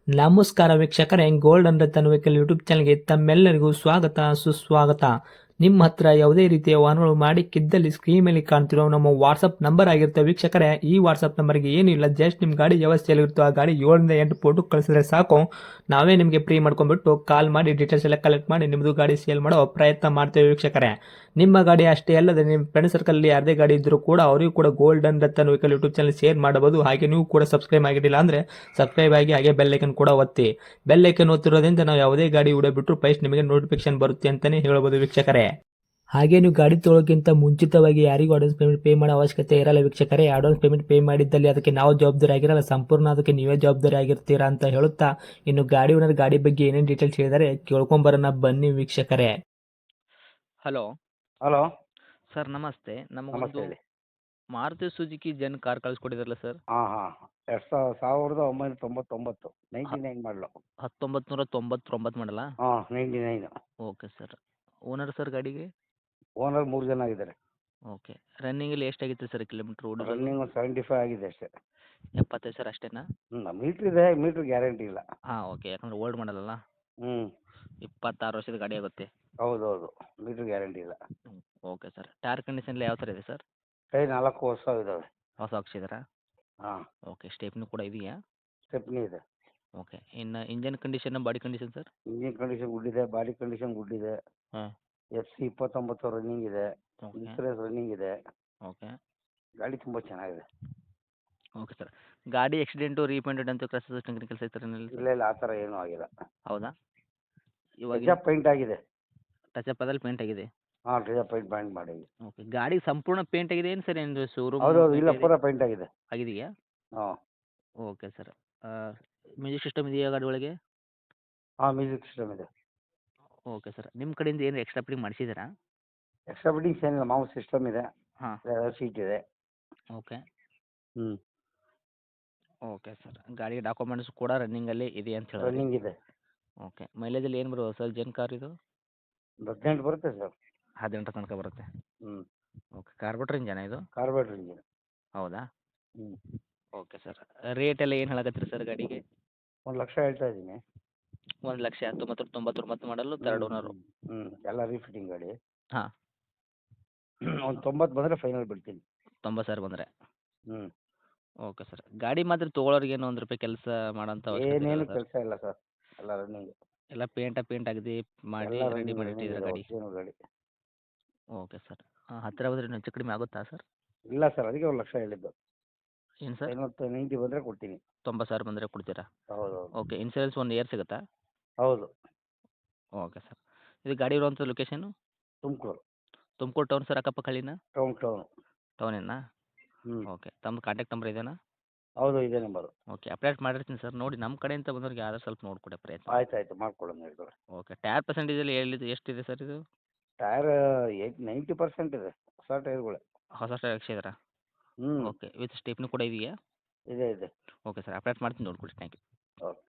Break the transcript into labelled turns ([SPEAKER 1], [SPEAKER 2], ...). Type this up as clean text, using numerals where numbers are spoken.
[SPEAKER 1] ನಮಸ್ಕಾರ ವೀಕ್ಷಕರೇ, golden Ratan vehicle YouTube ಚಾನಲ್ಗೆ ತಮ್ಮೆಲ್ಲರಿಗೂ ಸ್ವಾಗತ ಸುಸ್ವಾಗತ. ನಿಮ್ಮ ಹತ್ರ ಯಾವುದೇ ರೀತಿಯ ವಾಹನಗಳು ಮಾಡಿಕ್ಕಿದ್ದಲ್ಲಿ ಸ್ಕ್ರೀನ್ ಮೇಲೆ ಕಾಣ್ತಿರೋ ನಮ್ಮ ವಾಟ್ಸಪ್ ನಂಬರ್ ಆಗಿರುತ್ತೆ ವೀಕ್ಷಕರೇ. ಈ ವಾಟ್ಸಪ್ ನಂಬರ್ಗೆ ಏನಿಲ್ಲ, ಜಸ್ಟ್ ನಿಮ್ಮ ಗಾಡಿ ವ್ಯವಸ್ಥೆಯಲ್ಲಿರುತ್ತೋ ಆ ಗಾಡಿ 7 ರಿಂದ 8 ಫೋಟೋ ಕಳಿಸಿದ್ರೆ ಸಾಕು, ನಾವೇ ನಿಮಗೆ ಫ್ರೀ ಮಾಡ್ಕೊಂಡ್ಬಿಟ್ಟು ಕಾಲ್ ಮಾಡಿ ಡೀಟೇಲ್ಸ್ ಎಲ್ಲ ಕಲೆಕ್ಟ್ ಮಾಡಿ ನಿಮ್ಮದು ಗಾಡಿ ಸೇಲ್ ಮಾಡೋ ಪ್ರಯತ್ನ ಮಾಡ್ತೇವೆ ವೀಕ್ಷಕರೇ. ನಿಮ್ಮ ಗಾಡಿ ಅಷ್ಟೇ ಅಲ್ಲದೆ ನಿಮ್ಮ ಫ್ರೆಂಡ್ ಸರ್ಕಲ್ ಯಾರದೇ ಗಾಡಿ ಇದ್ದರೂ ಕೂಡ ಅವರಿಗೂ ಕೂಡ golden Ratan vehicle YouTube channel share ಮಾಡಬಹುದು. ಹಾಗೆ ನೀವು ಕೂಡ ಸಬ್ಸ್ಕ್ರೈಬ್ ಆಗಿರಲಿಲ್ಲ ಅಂದರೆ ಸಬ್ಸ್ಕ್ರೈಬ್ ಆಗಿ ಹಾಗೆ ಬೆಲ್ ಐಕನ್ ಕೂಡ ಒತ್ತಿ. ಬೆಲ್ ಐಕನ್ ಒತ್ತಿರೋದ್ರಿಂದ ನಾವು ಯಾವುದೇ ಗಾಡಿ ವಿಡಿಯೋ ಬಿಟ್ಟರು ಫಸ್ಟ್ ನಿಮಗೆ ನೋಟಿಫಿಕೇಶನ್ ಬರುತ್ತೆ ಅಂತಲೇ ಹೇಳ್ಬೋದು ವೀಕ್ಷಕರೇ. ಹಾಗೆ ನೀವು ಗಾಡಿ ತೊಳೋಕ್ಕಿಂತ ಮುಂಚಿತವಾಗಿ ಯಾರಿಗೂ ಅಡ್ವಾನ್ಸ್ ಪೇಮೆಂಟ್ ಪೇ ಮಾಡೋ ಅವಶ್ಯಕತೆ ಇರಲ್ಲ ವೀಕ್ಷಕರೇ. ಅಡ್ವಾನ್ಸ್ ಪೇಮೆಂಟ್ ಪೇ ಮಾಡಿದ್ದಲ್ಲಿ ಅದಕ್ಕೆ ನಾವು ಜವಾಬ್ದಾರಿ ಆಗಿರಲ್ಲ, ಸಂಪೂರ್ಣ ಅದಕ್ಕೆ ನೀವೇ ಜವಾಬ್ದಾರಿ ಆಗಿರ್ತೀರಾ ಅಂತ ಹೇಳುತ್ತಾ, ಇನ್ನು ಗಾಡಿ ಓನರ್ ಗಾಡಿ ಬಗ್ಗೆ ಏನೇನು ಡೀಟೇಲ್ಸ್ ಹೇಳಿದರೆ ಕೇಳ್ಕೊಂಬರೋಣ ಬನ್ನಿ ವೀಕ್ಷಕರೇ.
[SPEAKER 2] ಹಲೋ
[SPEAKER 3] ಹಲೋ
[SPEAKER 2] ಸರ್, ನಮಸ್ತೆ.
[SPEAKER 3] ನಮಸ್ತೆ
[SPEAKER 2] ನಮಗೊಂದು
[SPEAKER 3] ಹೇಳಿ.
[SPEAKER 2] ಮಾರುತಿ ಸುಜುಕಿ ಜೆನ್ ಕಾರ್ ಕಳಿಸ್ಕೊಟ್ಟಿದ್ರಲ್ಲ ಸರ್,
[SPEAKER 3] ಹಾಂ ಹಾಂ 1999 99 ಮಾಡಲು.
[SPEAKER 2] 1999 ಮಾಡಲ್ಲ?
[SPEAKER 3] ಹಾಂ 99.
[SPEAKER 2] Okay sir. ಓನರ್ ಸರ್ ಗಾಡಿಗೆ?
[SPEAKER 3] ಓನರ್ 3 ಜನ ಆಗಿದ್ದಾರೆ.
[SPEAKER 2] ಓಕೆ. ರನ್ನಿಂಗಲ್ಲಿ ಎಷ್ಟಾಗಿತ್ತು ಸರ್ ಕಿಲೋಮೀಟ್ರ್ ಓಡಿರೋದು?
[SPEAKER 3] ರನ್ನಿಂಗ್ ಒಂದು 75 ಆಗಿದೆ ಅಷ್ಟೇ.
[SPEAKER 2] 75 ಸರ್, ಅಷ್ಟೇನಾ?
[SPEAKER 3] ಮೀಟ್ರ್ ಇದೆ, ಮೀಟ್ರ್ ಗ್ಯಾರಂಟಿ ಇಲ್ಲ.
[SPEAKER 2] ಹಾಂ, ಓಕೆ. ಯಾಕಂದ್ರೆ ಓಲ್ಡ್ ಮಾಡಲ್ಲ,
[SPEAKER 3] ಹ್ಞೂ
[SPEAKER 2] 26 ವರ್ಷದ ಗಾಡಿ ಆಗುತ್ತೆ.
[SPEAKER 3] ಹೌದೌದು, ಮೀಟ್ರ್ ಗ್ಯಾರಂಟಿ ಇಲ್ಲ.
[SPEAKER 2] Okay sir. ಟೈರ್ ಕಂಡೀಷನ್ ಯಾವ ಥರ ಇದೆ ಸರ್?
[SPEAKER 3] ಕೈ 4 ಹೊಸ ಇದ್ದಾವೆ.
[SPEAKER 2] ಹೊಸ ಹಾಕ್ಸಿದ್ದೀರಾ?
[SPEAKER 3] ಹಾಂ,
[SPEAKER 2] ಓಕೆ. ಸ್ಟೆಪ್ನಿ ಕೂಡ ಇದೆಯಾ?
[SPEAKER 3] ಸ್ಟೆಪ್ನಿ ಇದೆ.
[SPEAKER 2] ಓಕೆ. ಇನ್ನು engine condition, body condition sir?
[SPEAKER 3] Engine condition good ಇದೆ, ಬಾಡಿ ಕಂಡೀಷನ್ ಗುಡ್ ಇದೆ.
[SPEAKER 2] ಹಾಂ.
[SPEAKER 3] FC 29 ರನ್ನಿಂಗ್ ಇದೆ,
[SPEAKER 2] ಓಕೆ.
[SPEAKER 3] ಇನ್ಸೂರೆನ್ಸ್ ರನ್ನಿಂಗ್ ಇದೆ.
[SPEAKER 2] ಓಕೆ.
[SPEAKER 3] ಗಾಡಿ ತುಂಬ ಚೆನ್ನಾಗಿದೆ.
[SPEAKER 2] Okay sir. ಗಾಡಿ ಆಕ್ಸಿಡೆಂಟು, ರೀಪೇಂಟೆಡ್ ಅಂತ ಕ್ರಸಸ್ ಟೆಕ್ನಿಕಲ್ಸ್ ಐತೆ
[SPEAKER 3] ಇಲ್ಲ ಇಲ್ಲ, ಆ ಥರ ಏನೂ ಆಗಿಲ್ಲ.
[SPEAKER 2] ಹೌದಾ? ಇವಾಗ
[SPEAKER 3] ಟಚ್ ಪೈಂಟ್ ಆಗಿದೆ.
[SPEAKER 2] ಟಚಪ್ ಆದಲ್ಲಿ ಪೇಂಟ್ ಆಗಿದೆ.
[SPEAKER 3] ಹಾಂ, ಟಚ್ ಪೈಂಟ್ ಮಾಡಿ.
[SPEAKER 2] ಓಕೆ. ಗಾಡಿ ಸಂಪೂರ್ಣ ಪೇಂಟ್ ಆಗಿದೆ ಏನು ಸರ್? ಏನು ಶೋರೂಮ್
[SPEAKER 3] ಹೌದೌದು, ಇಲ್ಲ ಪೂರ ಪೈಂಟ್ ಆಗಿದೆ.
[SPEAKER 2] ಆಗಿದೆಯಾ?
[SPEAKER 3] ಹಾಂ
[SPEAKER 2] ಓಕೆ ಸರ್. ಮ್ಯೂಸಿಕ್ ಸಿಸ್ಟಮ್ ಇದೆಯಾ ಗಾಡಿ ಒಳಗೆ?
[SPEAKER 3] ಹಾಂ, ಮ್ಯೂಸಿಕ್ ಸಿಸ್ಟಮ್ ಇದೆ.
[SPEAKER 2] Okay sir. ನಿಮ್ಮ ಕಡೆಯಿಂದ ಏನು ಎಕ್ಸ್ಟ್ರಾ ಫಿಟ್ಟಿಂಗ್ ಮಾಡಿಸಿದ್ದೀರಾ?
[SPEAKER 3] ಎಕ್ಸ್ಟ್ರಾ ಫಿಟ್ಟಿಂಗ್ಸ್ ಏನಿಲ್ಲ, ಮಾಮೂಲು ಸಿಸ್ಟಮ್ ಇದೆ,
[SPEAKER 2] ಹಾಂ.
[SPEAKER 3] ಸೀಟ್ ಇದೆ.
[SPEAKER 2] ಓಕೆ.
[SPEAKER 3] ಹ್ಞೂ
[SPEAKER 2] ಓಕೆ ಸರ್. ಗಾಡಿ ಡಾಕ್ಯುಮೆಂಟ್ಸ್ ಕೂಡ ರನ್ನಿಂಗಲ್ಲಿ ಇದೆ ಅಂತ ಹೇಳಿದ್ರಿ?
[SPEAKER 3] ರನ್ನಿಂಗ್ ಇದೆ.
[SPEAKER 2] ಓಕೆ. ಮೈಲೇಜಲ್ಲಿ ಏನು ಬರುವ ಸರ್ ಜೆನ್ ಕಾರ್ ಇದು?
[SPEAKER 3] 18 ಬರುತ್ತೆ ಸರ್.
[SPEAKER 2] 18 ತನಕ ಬರುತ್ತೆ.
[SPEAKER 3] ಹ್ಞೂ
[SPEAKER 2] ಓಕೆ. ಕಾರ್ಬೋರೇಟರ್ ಇಂಜನ ಇದು?
[SPEAKER 3] Carburettor engine.
[SPEAKER 2] ಹೌದಾ?
[SPEAKER 3] ಹ್ಞೂ
[SPEAKER 2] ಓಕೆ ಸರ್. ರೇಟ್ ಎಲ್ಲ ಏನು ಹೇಳಕತ್ತೀರಿ ಸರ್ ಗಾಡಿಗೆ?
[SPEAKER 3] 1 ಲಕ್ಷ ಹೇಳ್ತಾ ಇದ್ದೀನಿ.
[SPEAKER 2] 1,99,99 ಮಾಡಲು ತರ್ಡ್ ಓನರು?
[SPEAKER 3] ಹ್ಞೂ ಎಲ್ಲ ರೀಫಿಟ್ಟಿಂಗ್ ಗಾಡಿ.
[SPEAKER 2] ಹಾಂ.
[SPEAKER 3] ಒಂದು 90 ಬಂದರೆ ಫೈನಲ್ ಬಿಡ್ತೀನಿ.
[SPEAKER 2] 90,000 ಬಂದರೆ?
[SPEAKER 3] ಹ್ಞೂ
[SPEAKER 2] ಓಕೆ ಸರ್. ಗಾಡಿ ಮಾತ್ರ ತೊಗೊಳೋರಿಗೆ ಏನು ₹1 ಕೆಲಸ ಮಾಡೋಂಥ ಅವಶ್ಯಕತೆ
[SPEAKER 3] ಏನೇನು
[SPEAKER 2] ಇಲ್ಲ ಸರ್?
[SPEAKER 3] ಕೆಲಸ ಇಲ್ಲ ಸರ್, ಎಲ್ಲ ರನ್ನಿಂಗ್.
[SPEAKER 2] ಎಲ್ಲ ಪೇಂಟ್ ಅಗದಿ ಮಾಡಿ
[SPEAKER 3] ಎಲ್ಲ
[SPEAKER 2] ರೆಡಿ
[SPEAKER 3] ರನ್ನಿಂಗ್
[SPEAKER 2] ಮಾಡಿ
[SPEAKER 3] ರನ್ನಿಂಗ್
[SPEAKER 2] ಇಟ್ಟಿದ್ದೀರಾ
[SPEAKER 3] ಇದೆ,
[SPEAKER 2] ಗಾಡಿ?
[SPEAKER 3] ಒರಿಜಿನಲ್ ಗಾಡಿ.
[SPEAKER 2] Okay sir. ಹತ್ತಿರ ಬಂದರೆ ಇನ್ನೂ ಹೆಚ್ಚು ಕಡಿಮೆ ಆಗುತ್ತಾ ಸರ್?
[SPEAKER 3] ಇಲ್ಲ ಸರ್, ಅದಕ್ಕೆ 1 ಲಕ್ಷ ಹೇಳಿದ್ದು.
[SPEAKER 2] ಏನು ಸರ್?
[SPEAKER 3] 90 ಬಂದರೆ ಕೊಡ್ತೀನಿ.
[SPEAKER 2] 90,000 ಬಂದರೆ ಕೊಡ್ತೀರಾ?
[SPEAKER 3] ಹೌದೌದು.
[SPEAKER 2] ಓಕೆ. ಇನ್ಸೂರೆನ್ಸ್ 1 ಇಯರ್ ಸಿಗುತ್ತಾ?
[SPEAKER 3] ಹೌದು.
[SPEAKER 2] Okay sir. ಇದು ಗಾಡಿ ಇರುವಂಥ location?
[SPEAKER 3] Tumakuru
[SPEAKER 2] Tumakuru town sir, ಅಕ್ಕಪಕ್ಕ ಹಳ್ಳಿನಾ?
[SPEAKER 3] ಟೌನು.
[SPEAKER 2] ಟೌನೇನಾ?
[SPEAKER 3] ಹ್ಞೂ
[SPEAKER 2] ಓಕೆ. ತಮ್ಮ ಕಾಂಟ್ಯಾಕ್ಟ್ ನಂಬರ್ ಇದೇನಾ?
[SPEAKER 3] ಹೌದು, ಇದೇ ನಂಬರು.
[SPEAKER 2] ಓಕೆ. ಅಪ್ಡೇಟ್ ಮಾಡಿರ್ತೀನಿ ಸರ್. ನೋಡಿ ನಮ್ಮ ಕಡೆಯಿಂದ ಬಂದವ್ರಿಗೆ ಯಾರು ಸ್ವಲ್ಪ ನೋಡಿಕೊಡೋ ಪ್ರಯತ್ನ.
[SPEAKER 3] ಆಯ್ತು ಮಾಡ್ಕೊಡೋಣ ಹೇಳ್ತಾರೆ.
[SPEAKER 2] ಓಕೆ. ಟೈರ್ ಪರ್ಸೆಂಟೇಜಲ್ಲಿ ಎಷ್ಟಿದೆ ಸರ್ ಇದು?
[SPEAKER 3] ಟೈರ್ 90% ಇದೆ, ಹೊಸ ಟೈರ್ಗಳೇ.
[SPEAKER 2] ಹೊಸ ಟೈರ್ ಹಾಕ್ಸಿದ್ದೀರಾ?
[SPEAKER 3] ಹ್ಞೂ
[SPEAKER 2] ಓಕೆ. ವಿತ್ ಸ್ಟೆಪ್ನಿ ಕೂಡ ಇದೆಯಾ?
[SPEAKER 3] ಇದೆ ಇದೆ.
[SPEAKER 2] Okay sir. ಅಪ್ಡೇಟ್ ಮಾಡ್ತೀನಿ, ನೋಡ್ಕೊಡಿ. Thank you.
[SPEAKER 3] ಓಕೆ.